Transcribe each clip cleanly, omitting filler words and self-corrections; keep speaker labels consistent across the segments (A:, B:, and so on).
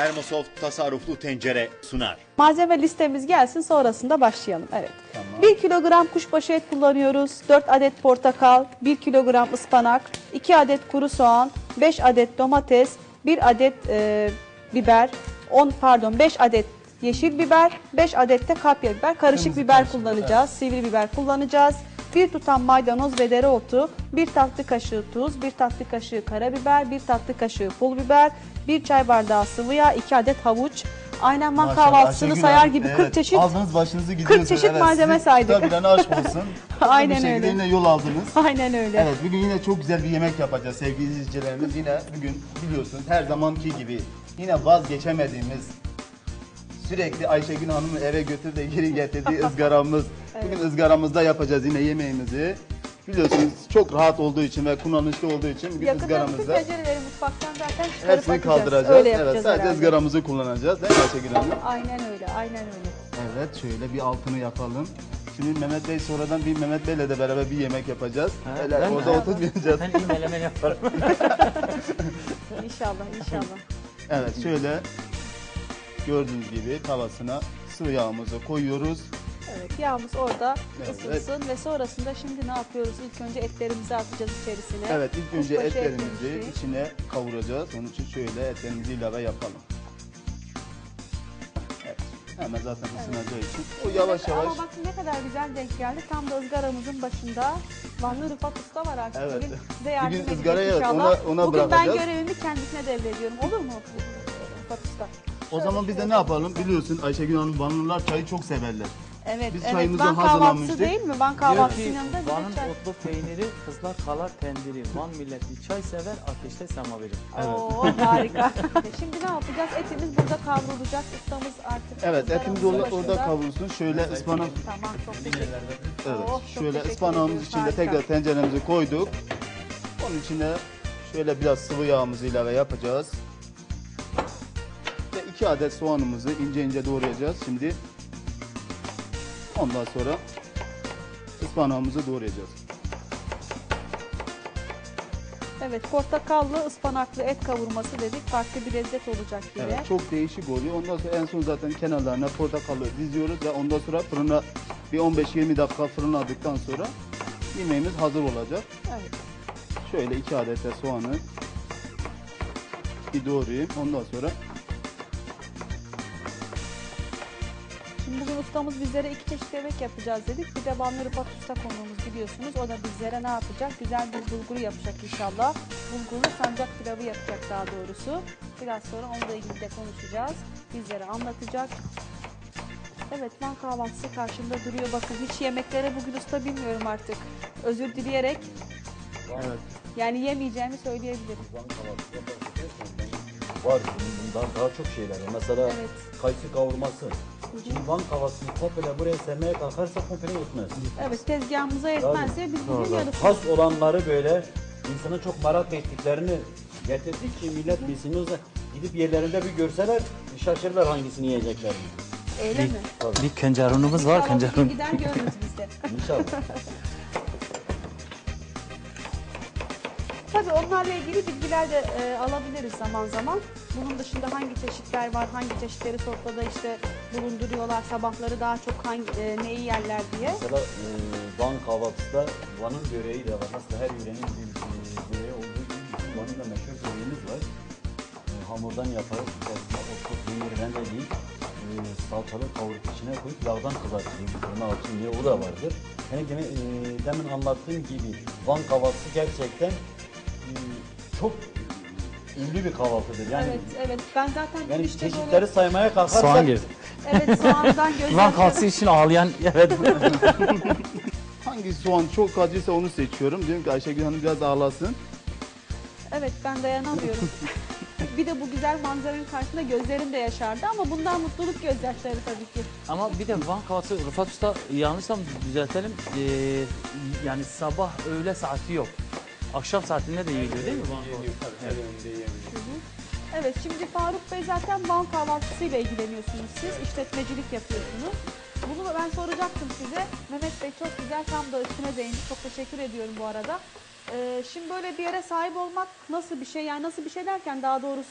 A: Termosoft tasarruflu tencere sunar.
B: Malzeme listemiz gelsin, sonrasında başlayalım. Evet.
C: Tamam.
B: 1 kilogram kuşbaşı et kullanıyoruz. 4 adet portakal, 1 kilogram ıspanak, 2 adet kuru soğan, 5 adet domates, 1 adet biber, 5 adet yeşil biber, 5 adet de kapya biber, karışık
C: Kırmızı
B: biber
C: karışık,
B: kullanacağız, sivri biber kullanacağız. 1 tutam maydanoz ve dereotu, 1 tatlı kaşığı tuz, 1 tatlı kaşığı karabiber, 1 tatlı kaşığı pul biber, 1 çay bardağı sıvı yağ, 2 adet havuç. Aynen man
C: Maşallah,
B: kahvaltısını
C: Ayşegül
B: sayar
C: Hanım,
B: gibi
C: evet,
B: 40 çeşit.
C: aldınız başınızı gidiyorsunuz.
B: 40 çeşit malzeme
C: siz
B: saydık.
C: Tabii lan aşk olsun.
B: Aynen
C: Bir şekilde
B: öyle.
C: yine yol aldınız.
B: Aynen öyle.
C: Evet, bugün yine çok güzel bir yemek yapacağız sevgili izleyicilerimiz. Yine bugün biliyorsunuz her zamanki gibi yine vazgeçemediğimiz, sürekli Ayşegül Hanım'ı eve götür de geri getirdiği ızgaramız. Bugün ızgaramızda yapacağız yine yemeğimizi. Biliyorsunuz çok rahat olduğu için ve kullanışlı olduğu için bugün
B: Yakında bütün
C: ızgaramızda
B: tencereleri mutfaktan zaten çıkarıp
C: hepsini
B: atacağız.
C: kaldıracağız.
B: Öyle
C: Evet,
B: yapacağız
C: sadece
B: herhalde.
C: ızgaramızı kullanacağız değil mi Ayşegül Hanım?
B: Aynen öyle, aynen öyle.
C: Evet, şöyle bir altını yapalım. Şimdi Mehmet Bey sonradan bir Mehmet Bey'le de beraber bir yemek yapacağız. Öyle
D: ben mi?
C: orada oturmayacağız.
D: Ben iyi melemen yaparım.
B: İnşallah, inşallah.
C: Evet, şöyle gördüğünüz gibi tavasına sıvı yağımızı koyuyoruz.
B: Evet, yağımız orada
C: Evet.
B: ısınsın ve sonrasında şimdi ne yapıyoruz? İlk önce etlerimizi atacağız içerisine.
C: Evet, ilk önce
B: Kuşbaşı
C: etlerimizi
B: etlerimizi.
C: içine kavuracağız. Onun için şöyle etlerimizi ilave yapalım. Evet, hemen zaten ısınacağı için. O yavaş yavaş.
B: Ama bakın ne kadar güzel denk geldi. Tam da ızgaramızın başında Vanlı Rıfat Usta var artık.
C: Evet.
B: Bugün size yardım
C: Bugün
B: edecek
C: ızgarayı evet,
B: inşallah.
C: ona
B: Bugün ben
C: bırakacağız.
B: görevimi kendisine devrediyorum. Olur mu Rıfat Usta?
C: O zaman biz de ne yapalım? Biliyorsun Ayşegül Hanım, Vanlılar çayı çok severler.
B: Evet,
C: Biz
B: evet.
C: çayımızı
B: Van kahvaltısı
C: hazırlamıştık.
B: değil mi? Van
D: Diyor
B: kahvaltısının
D: ki
B: yanında bir de
D: Van'ın
B: çay.
D: otlu peyniri, kızlar kalar tendiri. Van milleti çay sever, ateşte semaveri.
B: Oo, harika. Şimdi ne yapacağız? Etimiz burada kavrulacak. Ustamız artık.
C: Evet, etimiz
B: ızgaramızın
C: orada
B: başında.
C: kavrulsun. Şöyle ıspanak.
B: Tamam, çok teşekkür ederim.
C: Evet,
B: Oh, çok
C: şöyle
B: teşekkür
C: ıspanağımız
B: ediyoruz,
C: içinde
B: harika.
C: tekrar tenceremizi koyduk. Onun içine şöyle biraz sıvı yağımızı ilave yapacağız. Ve 2 adet soğanımızı ince ince doğrayacağız şimdi. Ondan sonra ıspanağımızı doğrayacağız.
B: Evet, portakallı, ıspanaklı et kavurması dedik. Farklı bir lezzet olacak yine.
C: Evet, çok değişik oluyor. Ondan sonra en son zaten kenarlarına portakalı diziyoruz ve ondan sonra fırına bir 15-20 dakika fırınladıktan sonra yemeğimiz hazır olacak.
B: Evet.
C: Şöyle 2 adet de soğanı bir doğrayayım. Ondan sonra
B: Şimdi bugün ustamız bizlere 2 çeşit yemek yapacağız dedik. Bir de Vanlı Rıfat Usta konuğumuz biliyorsunuz. O da bizlere ne yapacak? Güzel bir bulgur yapacak inşallah. Bulgurlu sancak pilavı yapacak daha doğrusu. Biraz sonra onunla ilgili de konuşacağız. Bizlere anlatacak. Evet, Van kahvaltısı karşımda duruyor. Bakın hiç yemeklere bugün usta bilmiyorum artık. Özür dileyerek
C: evet.
B: yani yemeyeceğimi söyleyebilirim.
E: Var bundan daha çok şeyler var. Mesela
B: Evet.
E: kayısı kavurması. Şimdi Van kavasını komple buraya sermeye kalkarsa komple yetmez.
B: Evet, tezgahımıza yetmezse biz bugün yarısını.
E: Has olanları böyle insana çok merak ettiklerini getirdik ki millet bilsin. Yoksa gidip yerlerinde bir görseler şaşırırlar hangisini yiyeceklerini.
B: Öyle mi?
D: Bir kencarunumuz var,
B: İnşallah bugün
D: kencarun.
B: gider görürüz biz de.
E: İnşallah.
B: Tabii onlarla ilgili bilgiler de alabiliriz zaman zaman. Bunun dışında hangi çeşitler var, hangi çeşitleri sofrada işte bulunduruyorlar, sabahları daha çok neyi yerler diye.
E: Mesela Van kahvaltısı da Van'ın böreği de var. Aslında her yörenin bir böreği olduğu gibi bizim Van'ın da meşhur böreğimiz var. Hamurdan yaparız. İçerisine otlu peynir rendeleyiz. Salçalı kavurup içine koyup yağdan kızartıyoruz. Fırına altın diye o da vardır. Yani demin anlattığım gibi Van kahvaltısı gerçekten çok ünlü bir kahvaltıdır. Yani,
B: Evet, evet. Ben zaten
E: yani
B: işte
E: çeşitleri
B: böyle,
E: saymaya kalkarsak
D: Soğan girdi.
B: evet soğandan
D: Van
B: gözyaşı.
D: kalsı için ağlayan, evet.
C: Hangi soğan çok acıysa onu seçiyorum. Diyorum ki Ayşegül Hanım biraz ağlasın.
B: Evet, ben dayanamıyorum. Bir de bu güzel manzaranın karşısında gözlerim de yaşardı ama bundan mutluluk gözyaşları tabii ki.
D: Ama bir de Van kahvaltısı, Rıfat Usta yanlışsam düzeltelim. Yani sabah öğle saati yok. Akşam saatinde de yiyiliyor değil mi Van kahvaltısı?
B: Evet, şimdi Faruk Bey zaten Van kahvaltısıyla ilgileniyorsunuz siz, işletmecilik yapıyorsunuz. Bunu ben soracaktım size. Mehmet Bey çok güzel, tam da üstüne değindi. Çok teşekkür ediyorum bu arada. Şimdi böyle bir yere sahip olmak nasıl bir şey? Yani nasıl bir şey derken daha doğrusu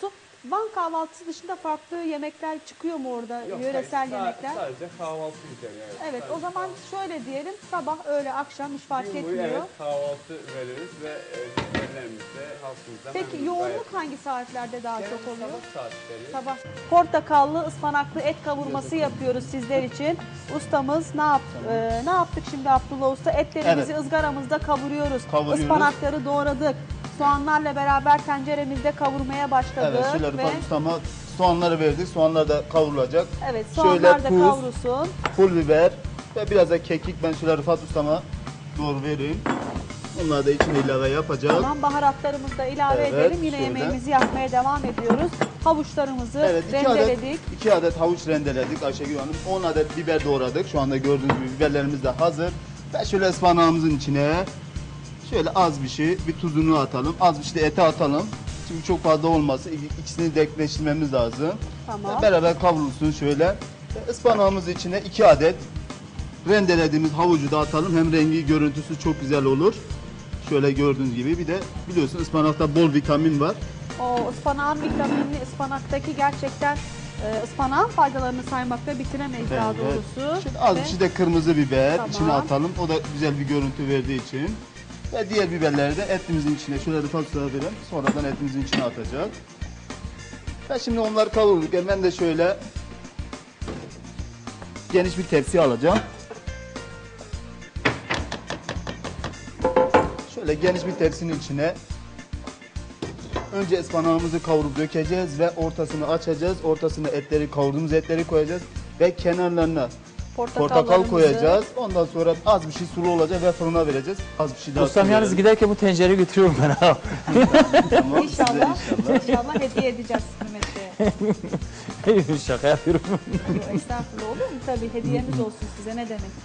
B: Van kahvaltısı dışında farklı yemekler çıkıyor mu orada? Yöresel yemekler.
F: Sadece kahvaltı üzerine. Evet.
B: Evet, o zaman şöyle diyelim. Sabah, öğle, akşam hiç fark
F: Gün boyu
B: etmiyor.
F: evet kahvaltı veririz ve müşterilerimize, halkımıza
B: Peki
F: memnun
B: yoğunluk
F: gayet-
B: hangi saatlerde daha
F: Genelde
B: çok oluyor?
F: sabah saatleri.
B: Sabah. Portakallı, ıspanaklı et kavurması yapıyoruz sizler için. Ustamız ne yaptık şimdi Abdullah Usta? Etlerimizi
C: Evet.
B: ızgaramızda kavuruyoruz.
C: Kavuruyoruz.
B: Ispanakları doğradık. Soğanlarla beraber tenceremizde kavurmaya başladık.
C: Evet, şöyle
B: ve
C: Rıfat Usta'ma soğanları verdik. Soğanlar da kavrulacak.
B: evet,
C: Şöyle
B: soğanlar da
C: tuz,
B: kavrulsun.
C: pul biber ve biraz da kekik ben şöyle Rıfat Usta'ma doğru vereyim. Onları da içine ilave yapacak.
B: Tamam, baharatlarımızı da ilave
C: Evet,
B: edelim. Yine
C: şöyle.
B: yemeğimizi yapmaya devam ediyoruz. Havuçlarımızı
C: Evet,
B: rendeledik.
C: 2 adet havuç rendeledik Ayşegül Hanım. 10 adet biber doğradık. Şu anda gördüğünüz gibi biberlerimiz de hazır. Ve şöyle ıspanağımızın içine şöyle az bir şey, bir tuzunu atalım. Az bir şey de ete atalım. Çünkü çok fazla olması, ikisini denkleştirmemiz lazım.
B: Tamam.
C: Ve beraber kavrulsun şöyle. Ve ıspanağımızın içine 2 adet rendelediğimiz havucu da atalım. Hem rengi, görüntüsü çok güzel olur. Şöyle gördüğünüz gibi. Bir de biliyorsun ıspanakta bol vitamin var.
B: O ıspanağın vitaminli, ıspanaktaki gerçekten ıspanağın faydalarını saymakla bitiremeyiz daha
C: Evet.
B: doğrusu.
C: Şimdi az
B: Ve
C: bir şey de kırmızı biber
B: Tamam.
C: içine atalım. O da güzel bir görüntü verdiği için. Ve diğer biberleri de etimizin içine şöyle Rıfat Usta'ya verelim. Sonradan etimizin içine atacak. Ve şimdi onları kavurduk. Ben de şöyle geniş bir tepsi alacağım. Şöyle geniş bir tepsinin içine önce ıspanağımızı kavurup dökeceğiz ve ortasını açacağız. Ortasına etleri, kavurduğumuz etleri koyacağız ve kenarlarına portakal
B: portakallarımızı
C: koyacağız. Ondan sonra az bir şey sulu olacak ve fırına vereceğiz. Az bir şey daha
D: Ustam
C: sulu
D: yalnız
C: verelim.
D: giderken bu tencereyi götürüyorum ben ha.
C: Tamam, size
B: İnşallah,
C: inşallah.
B: inşallah hediye edeceğiz kıymetli.
D: Şaka yapıyorum.
B: Estağfurullah, olur mu? Tabii hediyemiz olsun size, ne demek.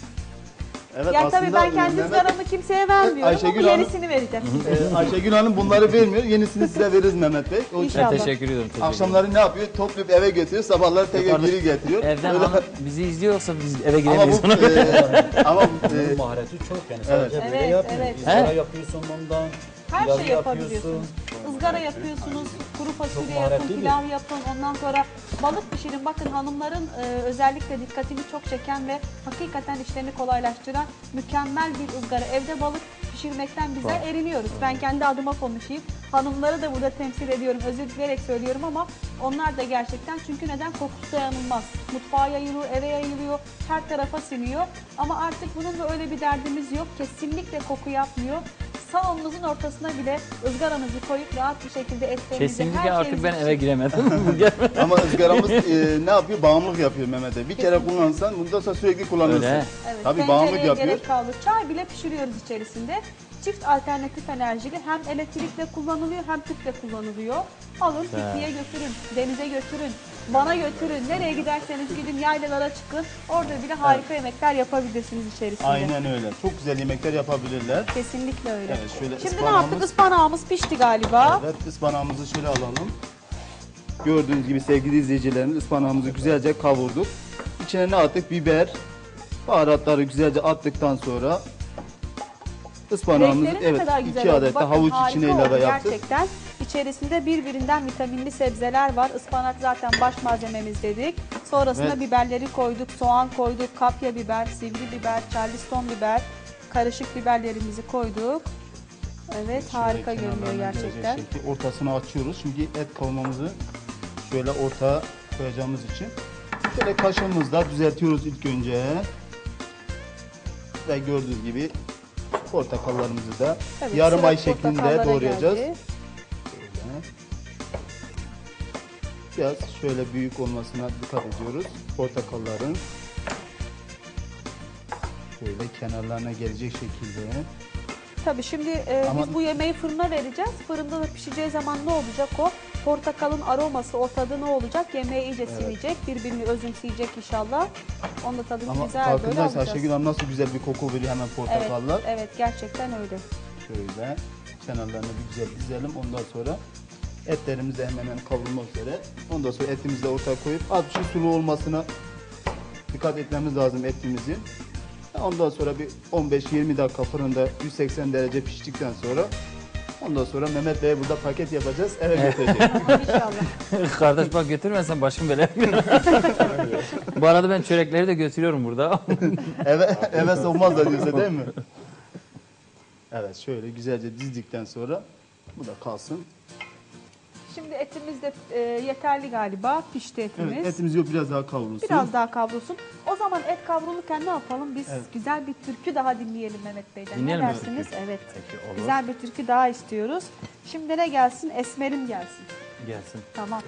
C: Evet,
B: Yani tabii ben
C: aslında
B: kendi
C: Mehmet-
B: ızgaramı kimseye vermiyorum
C: Ayşegül
B: ama
C: Hanım-
B: yenisini vereceğim.
C: Ayşegül Hanım bunları vermiyor. Yenisini size veririz Mehmet Bey. O
B: İnşallah.
D: Teşekkür ediyorum. Teşekkür
C: akşamları ne yapıyor? Toplayıp eve götürüyor. Sabahları tekrar
D: Yukarıda-
C: geri getiriyor.
D: Evden
C: Öyle-
D: hanım bizi izliyorsa biz eve
C: ama
D: gidemeyiz.
C: bu ama
E: Bunun mahareti çok yani sadece
B: Evet.
E: böyle
B: Evet,
E: yapmıyor.
B: evet.
E: İzgara
D: He?
E: yapıyorsun bundan.
B: Her
E: pilav
B: şey yapabiliyorsunuz. Izgara yapıyorsunuz, kuru fasulye
E: Çok
B: yapın,
E: maharetli
B: pilav yapın. Ondan sonra balık pişirin. Bakın hanımların özellikle dikkatimi çok çeken ve hakikaten işlerini kolaylaştıran mükemmel bir ızgara. Evde balık pişirmekten bizler eriniyoruz. Ben kendi adıma konuşayım. Hanımları da burada temsil ediyorum. Özür dileyerek söylüyorum ama onlar da gerçekten, çünkü neden? Kokusu dayanılmaz. Mutfağa yayılıyor, eve yayılıyor, her tarafa siniyor. Ama artık bununla öyle bir derdimiz yok. Kesinlikle koku yapmıyor. Salonunuzun ortasına bile ızgaranızı koyup rahat bir şekilde etlerinizi,
D: Kesinlikle artık
B: şeyinizi
D: ben eve
B: pişirin.
D: giremedim.
C: ama ızgaramız ne yapıyor? Bağımlılık yapıyor Mehmet Bey. Bir kere kullanırsan bundan sonra sürekli kullanırsın.
D: Öyle.
B: Evet,
C: Tabii bağımlılık
B: tencereye
C: yapıyor.
B: gerek kaldı. Çay bile pişiriyoruz içerisinde. Çift alternatif enerjili, hem elektrikle kullanılıyor hem tüple kullanılıyor. Alın pikniğe götürün, denize götürün, Van'a götürün. Nereye giderseniz gidin, yaylalara çıkın. Orada bile harika yemekler yapabilirsiniz içerisinde.
C: Aynen öyle. Çok güzel yemekler yapabilirler.
B: Kesinlikle öyle.
C: Evet, şöyle
B: Şimdi ne
C: ıspanağımız-
B: yaptık? Ispanağımız pişti galiba.
C: Evet, ıspanağımızı şöyle alalım. Gördüğünüz gibi sevgili izleyicilerimiz, ıspanağımızı güzelce kavurduk. İçine ne attık? Biber, baharatları güzelce attıktan sonra ıspanağımızı
B: Renkleri ne kadar güzel
C: 2
B: oldu.
C: adet de
B: Bakın,
C: havuç
B: harika
C: içine ilave
B: oldu
C: yaptık.
B: gerçekten. İçerisinde birbirinden vitaminli sebzeler var. Ispanak zaten baş malzememiz dedik. Sonrasında
C: Evet.
B: biberleri koyduk, soğan koyduk, kapya biber, sivri biber, charleston biber, karışık biberlerimizi koyduk. Evet, harika
C: Şöyle
B: görünüyor
C: kenarlarına
B: gerçekten.
C: gelecek şekilde ortasını açıyoruz. Çünkü et kavurmamızı şöyle ortaya koyacağımız için. Şöyle kaşığımızla düzeltiyoruz ilk önce. Ve gördüğünüz gibi portakallarımızı da
B: Evet,
C: yarım
B: sıra
C: ay şeklinde
B: portakallara
C: doğrayacağız.
B: geldi.
C: Şöyle. Biraz şöyle büyük olmasına dikkat ediyoruz. Portakalların şöyle kenarlarına gelecek şekilde.
B: Tabii şimdi
C: Ama-
B: biz bu yemeği fırına vereceğiz. Fırında da pişeceği zaman ne olacak o? Portakalın aroması, o tadı ne olacak? Yemeğe iyice sinecek, birbirini özümseyecek inşallah. Onun da tadını
C: Ama
B: güzel böyle
C: farkındaysa
B: alacağız.
C: Ayşegül Hanım nasıl güzel bir koku veriyor hemen
B: Evet,
C: portakallar.
B: evet gerçekten öyle.
C: Şöyle kenarlarını bir güzel dizelim. Ondan sonra etlerimiz de hemen hemen kavrulmak üzere. Ondan sonra etimizi de ortaya koyup az bir şey sulu olmasına dikkat etmemiz lazım etimizin. Ondan sonra bir 15-20 dakika fırında 180 derece piştikten sonra Ondan sonra Mehmet Bey'e burada paket yapacağız, eve götüreceğiz.
B: İnşallah.
D: Kardeş bak götürmezsen başım belaya girer. Bu arada ben çörekleri de götürüyorum burada.
C: eve sokmaz da diyorsa değil mi? Evet, şöyle güzelce dizdikten sonra bu da kalsın.
B: Şimdi etimiz de yeterli galiba. Pişti etimiz.
C: Evet, etimiz yok, biraz daha kavrulsun.
B: Biraz daha kavrulsun. O zaman et kavrulurken ne yapalım? Biz
C: Evet.
B: güzel bir türkü daha dinleyelim Mehmet Bey'den.
D: Dinleyelim
B: ne
D: mi?
B: dersiniz? Evet.
D: Peki, olur.
B: Güzel bir türkü daha istiyoruz. Şimdi ne gelsin? Esmerim gelsin.
D: Gelsin.
B: Tamam.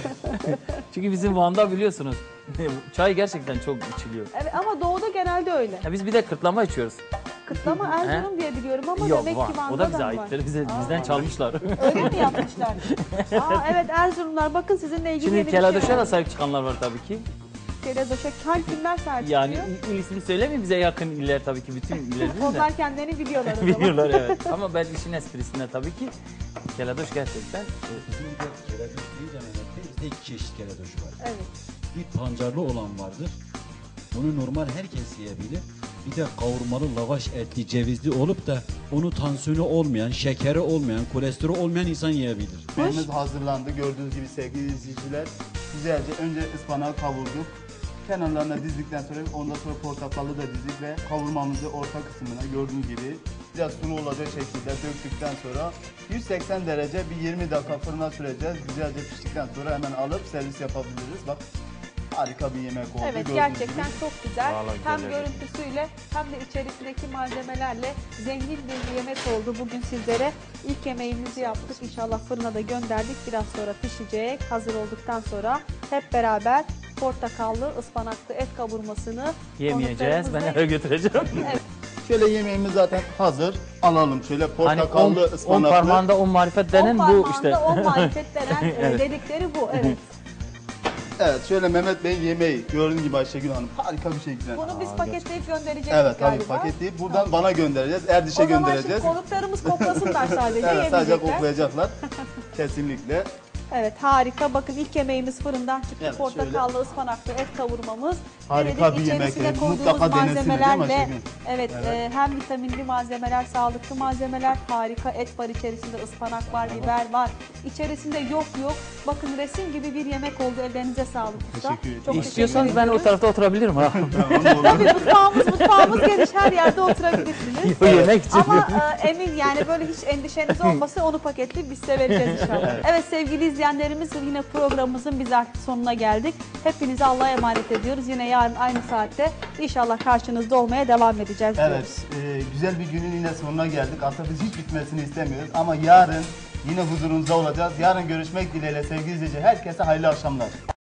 D: Çünkü bizim Van'da biliyorsunuz çay gerçekten çok içiliyor.
B: Evet ama doğuda genelde öyle.
D: Ya biz bir de kırtlama içiyoruz.
B: Kıtlama Erzurum diye biliyorum ama
D: Yok
B: demek
D: var.
B: ki Van'da
D: O da bize
B: var.
D: aittir. Bizden çalmışlar.
B: Öyle mi yapmışlar? Aa, evet Erzurumlar bakın sizinle ilgili
D: Şimdi
B: yeni bir şey
D: Keladoş'a da
B: var.
D: sahip çıkanlar var tabii ki.
B: Keladoş'a hangi kimler sahip
D: Yani
B: çıkıyor?
D: ismini söylemeyeyim, bize yakın iller tabii ki, bütün iller değil de.
B: Onlar kendilerini biliyorlar o zaman.
D: Biliyorlar evet. Ama ben işin esprisinde tabii ki Keladoş gerçekten
E: Bizim bir de keledoş deyince Mehmet Bey, bizde iki çeşit keledoş var.
B: Evet.
E: Bir pancarlı olan vardır. Bunu normal herkes yiyebilir. Bir de kavurmalı lavaş etli cevizli olup da onu tansiyonu olmayan, şekeri olmayan, kolesterolü olmayan insan yiyebilir.
C: Menümüz hazırlandı. Gördüğünüz gibi sevgili izleyiciler. Güzelce önce ıspanağı kavurduk. Kenarlarına dizdikten sonra ondan sonra portakalı da dizdik ve kavurmamızı orta kısmına gördüğünüz gibi biraz sulu olacak şekilde döktükten sonra 180 derece bir 20 dakika fırına süreceğiz. Güzelce piştikten sonra hemen alıp servis yapabiliriz. Bak harika bir yemek oldu.
B: Evet
C: gördüğünüz
B: gerçekten
C: gibi.
B: çok güzel.
D: Vallahi
B: Hem
D: güzel
B: görüntüsüyle hem de içerisindeki malzemelerle zengin bir yemek oldu bugün sizlere. İlk yemeğimizi yaptık. İnşallah fırına da gönderdik. Biraz sonra pişecek. Hazır olduktan sonra hep beraber portakallı, ıspanaklı et kavurmasını
D: yemeyeceğiz. Ben
B: konuklarımızla-
D: eve götüreceğim.
B: Evet.
C: Şöyle yemeğimiz zaten hazır. Alalım şöyle
D: Hani
C: portakallı,
D: 10
C: ıspanaklı.
D: parmağında 10 marifet denen
B: On
D: bu
B: parmağında
D: işte.
B: 10 marifet denen
D: Evet.
B: dedikleri bu. Evet.
C: Evet şöyle Mehmet Bey'in yemeği gördüğünüz gibi Ayşegül Hanım harika bir şekilde.
B: Bunu biz paketleyip gönderecektik
C: Evet tabii
B: galiba.
C: paketleyip buradan bana göndereceğiz. Erdiş'e
B: O zaman
C: göndereceğiz.
B: şimdi konuklarımız koklasınlar sadece,
C: Evet sadece
B: yemeyecekler.
C: koklayacaklar. Kesinlikle.
B: Evet harika. Bakın ilk yemeğimiz fırından çıktı.
C: Evet,
B: Portakallı, ıspanaklı et kavurmamız.
C: Harika
B: Denedik,
C: bir yemek.
B: içerisine koyduğumuz
C: Mutlaka denesinler, değil mi
B: malzemelerle
C: Ayşegül?
B: evet, hem vitaminli malzemeler, sağlıklı malzemeler, harika et var içerisinde, ıspanak var, biber var. İçerisinde yok. Bakın resim gibi bir yemek oldu. Ellerinize sağlık usta.
C: Teşekkür ederim.
B: Çok
D: İstiyorsanız
B: teşekkür
D: ben o
B: ediyoruz.
D: tarafta oturabilirim ha.
C: Tamam, olur.
B: Tabii mutfağımız geniş, her yerde oturabilirsiniz.
D: O yemek için.
B: Ama emin yani böyle hiç endişeniz olmasa onu paketleyip biz size vereceğiz inşallah. Evet sevgili izleyenlerimiz yine programımızın biz artık sonuna geldik. Hepinizi Allah'a emanet ediyoruz. Yine yarın aynı saatte inşallah karşınızda olmaya devam edeceğiz diyoruz.
C: Evet güzel bir günün yine sonuna geldik. Aslında biz hiç bitmesini istemiyoruz ama yarın yine huzurunuzda olacağız. Yarın görüşmek dileğiyle sevgili izleyici. Herkese hayırlı akşamlar.